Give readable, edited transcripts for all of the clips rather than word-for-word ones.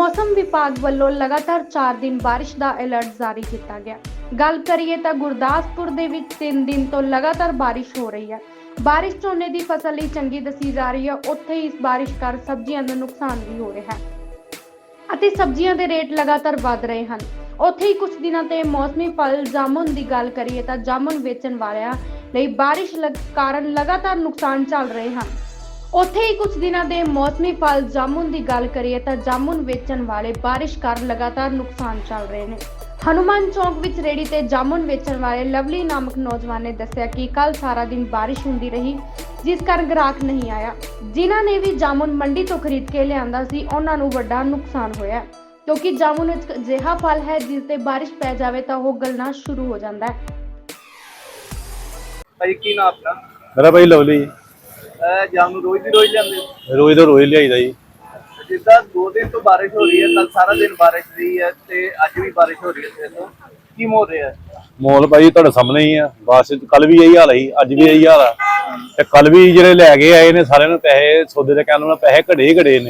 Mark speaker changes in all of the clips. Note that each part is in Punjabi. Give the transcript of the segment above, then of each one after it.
Speaker 1: मौसम विभाग ਵੱਲੋਂ लगातार 4 दिन बारिश का अलर्ट जारी किया गया। गल करिए तो गुरदासपुर ਦੇ ਵਿੱਚ 3 दिन तो लगातार बारिश हो रही है। बारिश ਝੋਨੇ ਦੀ ਫਸਲ ਲਈ ਚੰਗੀ ਦੱਸੀ ਜਾ ਰਹੀ ਹੈ। ਉੱਥੇ ਹੀ ਇਸ ਬਾਰਿਸ਼ ਕਾਰਨ ਸਬਜ਼ੀਆਂ ਦਾ ਨੁਕਸਾਨ ਵੀ ਹੋ ਰਿਹਾ ਹੈ ਅਤੇ ਸਬਜ਼ੀਆਂ ਦੇ ਰੇਟ ਲਗਾਤਾਰ ਵਧ ਰਹੇ ਹਨ। ਉੱਥੇ ਹੀ ਕੁਝ ਦਿਨਾਂ ਤੇ ਮੌਸਮੀ ਫਲ ਜਾਮੁਨ ਦੀ ਗੱਲ ਕਰੀਏ ਤਾਂ ਜਾਮੁਨ ਵੇਚਣ ਵਾਲਿਆਂ ਲਈ ਬਾਰਿਸ਼ ਕਾਰਨ ਲਗਾਤਾਰ ਨੁਕਸਾਨ ਚੱਲ ਰਹੇ ਹਨ। ਉੱਥੇ ਹੀ ਕੁਝ ਦਿਨਾਂ ਦੇ ਮੌਸਮੀ ਫਲ ਜਾਮੁਨ ਦੀ ਗੱਲ ਕਰੀਏ ਤਾਂ ਜਾਮੁਨ ਵੇਚਣ ਵਾਲੇ ਬਾਰਿਸ਼ ਕਾਰਨ ਲਗਾਤਾਰ ਨੁਕਸਾਨ ਚੱਲ ਰਹੇ ਨੇ। ਹਨੂਮਾਨ ਚੌਕ ਵਿੱਚ ਰੇੜੀ ਤੇ ਜਾਮੁਨ ਵੇਚਣ ਵਾਲੇ ਲਵਲੀ ਨਾਮਕ ਨੌਜਵਾਨ ਨੇ ਦੱਸਿਆ ਕਿ ਕੱਲ ਸਾਰਾ ਦਿਨ ਬਾਰਿਸ਼ ਹੁੰਦੀ ਰਹੀ, ਜਿਸ ਕਾਰਨ ਗ੍ਰਾਹਕ ਨਹੀਂ ਆਇਆ। ਜਿਨ੍ਹਾਂ ਨੇ ਵੀ ਜਾਮੁਨ ਮੰਡੀ ਤੋਂ ਖਰੀਦ ਕੇ ਲਿਆਂਦਾ ਸੀ, ਉਹਨਾਂ ਨੂੰ ਵੱਡਾ ਨੁਕਸਾਨ ਹੋਇਆ ਕਿਉਂਕਿ ਜਾਮੁਨ ਇੱਕ ਅਜਿਹਾ ਫਲ ਹੈ ਜਿਸ ਤੇ ਬਾਰਿਸ਼ ਪੈ ਜਾਵੇ ਤਾਂ ਉਹ ਗਲਣਾ ਸ਼ੁਰੂ ਹੋ ਜਾਂਦਾ ਹੈ।
Speaker 2: ਭਾਈ ਕੀ ਨਾਮ ਆਪਣਾ?
Speaker 3: ਮੇਰਾ ਭਾਈ ਲਵਲੀ।
Speaker 2: ਜਾਮਨੂੰ ਰੋਜ਼ ਦੀ ਰੋਜ਼ ਜਾਂਦੇ ਹੋ?
Speaker 3: ਰੋਜ਼ ਦਾ ਰੋਜ਼ ਲਿਆਈਦਾ ਜੀ।
Speaker 2: ਜਿੱਦਾਂ 2 ਦਿਨ ਤੋਂ ਬਾਰਿਸ਼ ਹੋ ਰਹੀ ਹੈ, ਕੱਲ ਸਾਰਾ ਦਿਨ ਬਾਰਿਸ਼ ਰਹੀ ਹੈ ਤੇ ਅੱਜ ਵੀ ਬਾਰਿਸ਼ ਹੋ ਰਹੀ ਹੈ, ਤੇ ਤੋਂ ਕੀ ਮੋੜ ਰਿਹਾ ਹੈ?
Speaker 3: ਮੋਲ ਭਾਈ ਤੁਹਾਡੇ ਸਾਹਮਣੇ ਹੀ ਆ। ਬਸ ਕੱਲ ਵੀ ਇਹੀ ਹਾਲ ਹੈ, ਅੱਜ ਵੀ ਇਹੀ ਹਾਲ ਆ। ਤੇ ਕੱਲ ਵੀ ਜਿਹੜੇ ਲੈ ਕੇ ਆਏ ਨੇ ਸਾਰਿਆਂ ਨੂੰ ਪੈਸੇ ਸੌਦੇ ਦੇ ਕਹਿਣ ਨਾਲ ਪੈਸੇ ਘੜੇ ਹੀ ਘੜੇ ਨੇ,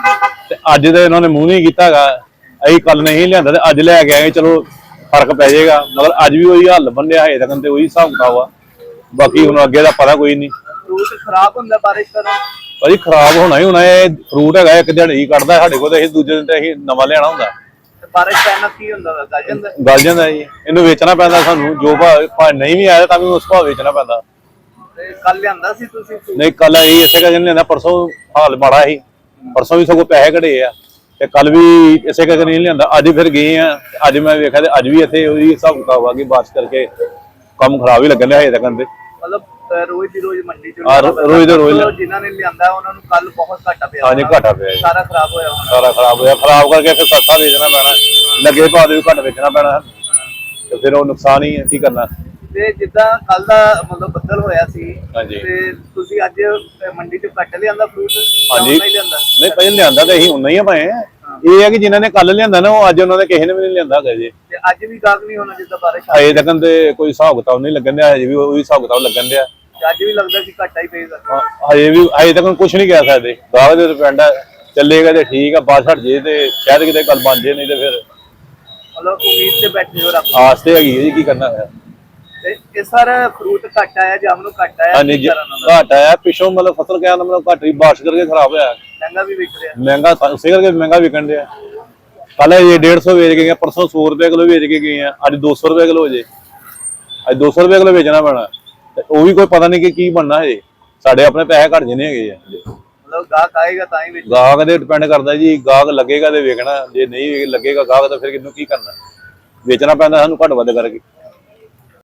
Speaker 3: ਤੇ ਅੱਜ ਤੇ ਇਹਨਾਂ ਨੇ ਮੂੰਹ ਨਹੀਂ ਕੀਤਾ ਹੈਗਾ। ਅਸੀਂ ਕੱਲ ਨਹੀਂ ਲਿਆਂਦਾ ਤੇ ਅੱਜ ਲੈ ਕੇ ਆਏ, ਚਲੋ ਫਰਕ ਪੈ ਜਾਏਗਾ। ਮਗਰ ਅੱਜ ਵੀ ਉਹੀ ਹਾਲ ਬੰਨਿਆ ਹੈ ਤੱਕ ਤੇ ਉਹੀ ਹਿਸਾਬ ਕਿਤਾਬ ਆ। ਬਾਕੀ ਹੁਣ ਅੱਗੇ ਦਾ ਪਤਾ ਕੋਈ ਨਹੀਂ।
Speaker 2: ਫਰੂਟ ਖਰਾਬ ਹੁੰਦਾ ਬਾਰਿਸ਼ ਕਾਰਨ?
Speaker 3: ਭਾਜੀ ਖਰਾਬ ਹੋਣਾ ਹੀ ਹੋਣਾ। ਇਹ ਫਰੂਟ ਹੈਗਾ ਇੱਕ ਦਿਹਾੜੀ ਕੱਢਦਾ ਸਾਡੇ ਕੋਲ, ਤੇ ਅਸੀਂ ਦੂਜੇ ਦਿਨ ਤੇ ਅਸੀਂ ਨਵਾਂ ਲਿਆਣਾ ਹੁੰਦਾ।
Speaker 2: ਬਾਰਿਸ਼ ਪੈਣ ਨਾਲ ਕੀ ਹੁੰਦਾ? ਗਲ ਜਾਂਦਾ?
Speaker 3: ਗਲ ਜਾਂਦਾ ਜੀ। ਇਹਨੂੰ ਵੇਚਣਾ ਪੈਂਦਾ ਸਾਨੂੰ, ਜੋ ਭਾਅ ਨਹੀਂ ਵੀ ਆਇਆ ਤਾਂ ਵੀ ਉਸ ਭਾਅ ਵੇਚਣਾ ਪੈਂਦਾ।
Speaker 2: ਤੇ ਕੱਲ ਲਿਆਂਦਾ ਸੀ ਤੁਸੀਂ?
Speaker 3: ਨਹੀਂ ਕੱਲ ਅਸੀਂ ਇਸੇ ਕਰਕੇ ਲਿਆਂਦਾ, ਪਰਸੋਂ ਹਾਲ ਮਾੜਾ ਸੀ। ਪਰਸੋਂ ਵੀ ਸਗੋਂ ਪੈਸੇ ਘੜੇ ਆ, ਤੇ ਕੱਲ ਵੀ ਇਸੇ ਕਰਕੇ ਨਹੀਂ ਲਿਆਂਦਾ। ਅੱਜ ਫਿਰ ਗਏ ਆ, ਅੱਜ ਮੈਂ ਵੇਖਿਆ ਤੇ ਅੱਜ ਵੀ ਇੱਥੇ ਉਹੀ ਹਿਸਾਬ ਕਿਤਾਬ ਆ ਕਿ ਬਾਰਿਸ਼ ਕਰਕੇ ਕੰਮ ਖਰਾਬ ਹੀ ਲੱਗਣ ਡਿਆ ਹਜੇ ਤੱਕ ਦੇ।
Speaker 2: ਮਤਲਬ ਰੋਜ਼ ਦੀ ਰੋਜ਼ ਮੰਡੀ ਚ
Speaker 3: ਰੋਜ਼ ਦੇ ਰੋਜ਼
Speaker 2: ਜਿਨ੍ਹਾਂ ਨੇ ਲਿਆਂਦਾ ਉਹਨਾਂ ਨੂੰ ਕੱਲ ਬਹੁਤ ਘਾਟਾ ਪਿਆ।
Speaker 3: ਹਾਂਜੀ ਘਾਟਾ ਪਿਆ,
Speaker 2: ਸਾਰਾ ਖਰਾਬ ਹੋਇਆ ਹੋਣਾ।
Speaker 3: ਸਾਰਾ ਖਰਾਬ ਹੋਇਆ। ਖਰਾਬ ਕਰਕੇ ਫਿਰ ਸਸਤਾ ਵੇਚਣਾ ਪੈਣਾ, ਲੱਗੇ ਭਾਅ ਦੇ ਵੀ ਘੱਟ ਵੇਚਣਾ ਪੈਣਾ, ਤੇ ਫਿਰ ਉਹ ਨੁਕਸਾਨ ਹੀ ਹੈ। ਕੀ ਕਰਨਾ।
Speaker 2: ਤੇ ਜਿੱਦਾਂ ਕੱਲ ਦਾ ਮਤਲਬ ਬੱਦਲ ਹੋਇਆ ਸੀ,
Speaker 3: ਹਾਂਜੀ।
Speaker 2: ਤੇ ਤੁਸੀਂ ਅੱਜ ਮੰਡੀ ਚ ਕੱਟ ਲਿਆਂਦਾ ਫਰੂਟ?
Speaker 3: ਹਾਂਜੀ
Speaker 2: ਨਹੀਂ ਲਿਆਂਦਾ?
Speaker 3: ਨਹੀਂ ਪਹਿਲਾਂ ਲਿਆਂਦਾ ਤੇ ਅਸੀਂ ਉਨਾ ਹੀ ਆ ਭਾਏ। ਇਹ ਹੈ ਕਿ ਜਿਨ੍ਹਾਂ ਨੇ ਕੱਲ ਲਿਆਂਦਾ ਨਾ, ਉਹ ਅੱਜ ਉਹਨਾਂ ਨੇ ਕਿਸੇ ਨੇ ਵੀ ਨਹੀਂ ਲਿਆਂਦਾ ਹੈਗਾ ਜੀ।
Speaker 2: ਤੇ ਅੱਜ ਵੀ ਗਾਹਕ ਨਹੀਂ ਹੋਣਾ ਜਿੱਦਾਂ ਬਾਰਿਸ਼
Speaker 3: ਹਜੇ ਤੱਕ ਤੇ ਕੋਈ ਹਿਸਾਬ ਕਿਤਾਬ ਨਹੀਂ ਲੱਗਣ ਡਿਆ। ਹਜੇ ਵੀ ਉਹੀ ਹਿਸਾਬ ਕਿਤਾਬ ਲੱਗਣ ਡਿਆ।
Speaker 2: ਅੱਜ ਵੀ ਲੱਗਦਾ ਕਿ ਘਾਟਾ ਹੀ ਪਏਗਾ?
Speaker 3: ਹਜੇ ਤੱਕ ਕੁਝ ਨਹੀਂ ਕਹਿ ਸਕਦੇ। ਗਾਹਕ ਦੇ ਡਿਪੈਂਡ ਹੈ, ਚੱਲੇਗਾ ਤੇ ਠੀਕ ਆ, ਬਾਅਦ ਹਟ ਜੇ ਤੇ ਸ਼ਾਇਦ ਕਿਤੇ ਗੱਲ ਬਣ ਜੇ, ਨਹੀਂ ਤੇ ਫਿਰ
Speaker 2: ਮਤਲਬ ਉਮੀਦ ਤੇ ਬੈਠੇ ਹੋ ਰੱਬ।
Speaker 3: ਆਸ ਤੇ ਹੈਗੀ ਹੈ ਜੀ, ਕੀ ਕਰਨਾ ਹੈ।
Speaker 2: ਤੇ ਇਹ ਸਾਰਾ ਫਰੂਟ ਘੱਟ ਆਇਆ, ਜਾਮਨੂੰ ਘੱਟ ਆਇਆ?
Speaker 3: ਹਾਂਜੀ ਘਾਟ ਆਇਆ ਪਿੱਛੋਂ, ਮਤਲਬ ਫਸਲ ਕਹਿਣ ਦਾ ਮਤਲਬ ਘੱਟ ਹੀ ਬਾਰਿਸ਼ ਕਰਕੇ ਖਰਾਬ ਹੋਇਆ।
Speaker 2: ਮਹਿੰਗਾ ਵੀ ਵਿਕ ਰਿਹਾ?
Speaker 3: ਮਹਿੰਗਾ ਉਸੇ ਕਰਕੇ ਮਹਿੰਗਾ ਵਿਕਣ ਡਿਆ। ਕੱਲ ਇਹ 150 ਵੇਚ ਕੇ ਗਏ, ਪਰਸੋਂ 100 ਰੁਪਏ ਕਿਲੋ ਵੇਚ ਕੇ ਗਏ ਆ, ਅੱਜ 200 ਰੁਪਏ ਕਿਲੋ ਹੋ ਜੇ। ਅੱਜ 200 ਰੁਪਏ ਕਿਲੋ ਵੇਚਣਾ ਪੈਣਾ, ਤੇ ਉਹ ਵੀ ਕੋਈ ਪਤਾ ਨਹੀਂ ਕਿ ਕੀ ਬਣਨਾ ਹੈ। ਸਾਡੇ ਆਪਣੇ ਪੈਸੇ ਘੱਟ ਜਨੇ ਹੈਗੇ ਆ।
Speaker 2: ਮਤਲਬ ਗਾਹਕ ਆਏਗਾ ਤਾਂ ਹੀ ਵੇਚਣਾ?
Speaker 3: ਗਾਹਕ ਤੇ ਡਿਪੈਂਡ ਕਰਦਾ ਜੀ। ਗਾਹਕ ਲੱਗੇਗਾ ਤੇ ਵੇਚਣਾ, ਜੇ ਨਹੀਂ ਲੱਗੇਗਾ ਗਾਹਕ ਤਾਂ ਫਿਰ ਕਿਹਨੂੰ ਕੀ ਕਰਨਾ। ਵੇਚਣਾ ਪੈਂਦਾ ਸਾਨੂੰ ਘੱਟ ਵੱਧ ਕਰਕੇ।